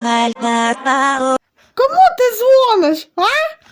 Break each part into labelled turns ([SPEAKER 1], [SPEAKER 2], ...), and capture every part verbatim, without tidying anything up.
[SPEAKER 1] Кому ти дзвониш, а?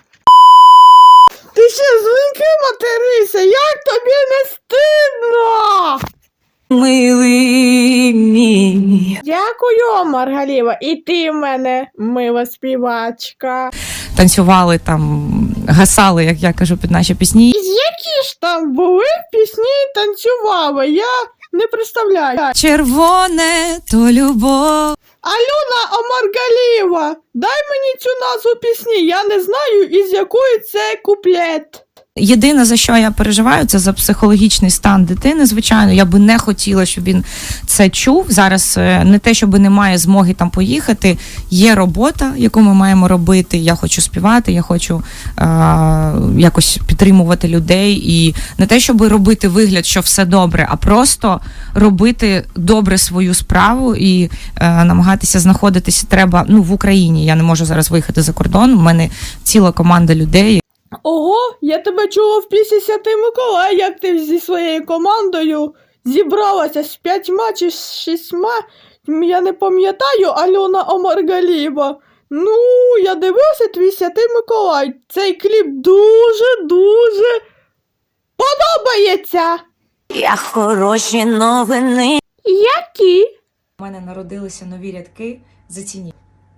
[SPEAKER 1] Ти ще дзвінки материся, як тобі не стидно?
[SPEAKER 2] Милий мій.
[SPEAKER 1] Дякую, Маргаліва, і ти в мене мила співачка.
[SPEAKER 2] Танцювали там, гасали, як я кажу, під наші пісні.
[SPEAKER 1] Які ж там були пісні і танцювали, я не представляю.
[SPEAKER 2] Червоне то любов.
[SPEAKER 1] Альона Омаргалієва, дай мені цю назву пісні, я не знаю, із якої це куплет.
[SPEAKER 2] Єдине, за що я переживаю, це за психологічний стан дитини. Звичайно, я би не хотіла, щоб він це чув. Зараз не те, щоб немає змоги там поїхати. Є робота, яку ми маємо робити. Я хочу співати, я хочу е- якось підтримувати людей. І не те, щоб робити вигляд, що все добре, а просто робити добре свою справу і е- намагатися знаходитися треба ну, в Україні. Я не можу зараз виїхати за кордон. У мене ціла команда людей.
[SPEAKER 1] Ого, я тебе чула в пісні Святий Миколай, як ти зі своєю командою зібралася з п'ятьма чи з шістьма, я не пам'ятаю, Альона Омаргалієва. Ну, я дивився твій Святий Миколай, цей кліп дуже-дуже подобається.
[SPEAKER 3] Я хороші новини.
[SPEAKER 1] Які?
[SPEAKER 2] У мене народилися нові рядки «Зацініть».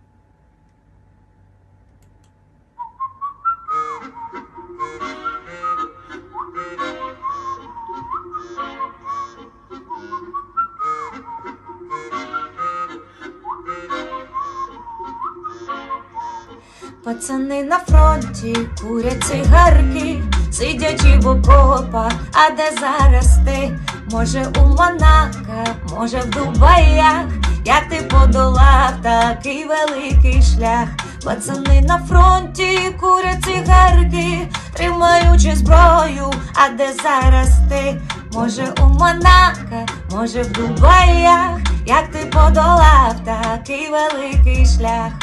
[SPEAKER 3] Пацани на фронті курять цигарки, сидячи в окопах, а де зараз ти? Може у Монако, може в Дубаях, як ти подолав такий великий шлях. Пацани на фронті курять цигарки, тримаючи зброю, а де зараз ти? Може у Монако, може в Дубаях, як ти подолав такий великий шлях.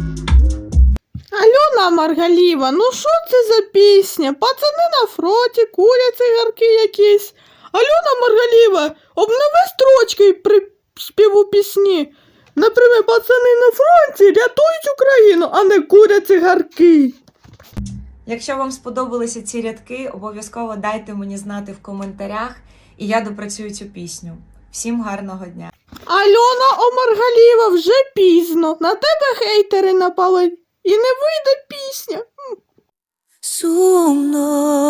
[SPEAKER 1] Альона Маргалієва, ну що це за пісня? Пацани на фронті, курять цигарки якісь. Альона Маргалієва, обнови строчки при співу пісні. Наприклад, пацани на фронті рятують Україну, а не курять цигарки.
[SPEAKER 2] Якщо вам сподобалися ці рядки, обов'язково дайте мені знати в коментарях, і я допрацюю цю пісню. Всім гарного дня!
[SPEAKER 1] Альона Омаргалієва, вже пізно. На тебе хейтери напали. І не вийде пісня.
[SPEAKER 3] Сумно.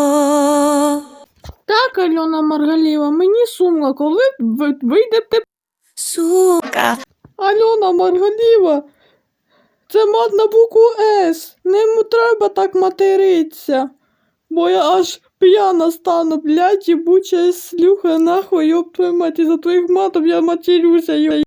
[SPEAKER 1] Так, Альона Маргалієва, мені сумно, коли ви- вийде те.
[SPEAKER 3] Сука.
[SPEAKER 1] Альона Маргалієва, це мат на букву С. Не м- треба так материтися. Бо я аж п'яна стану, блядь, єбуча слюха, нахуй, ёб твою мать, із-за твоїх матів я матерюся, йо.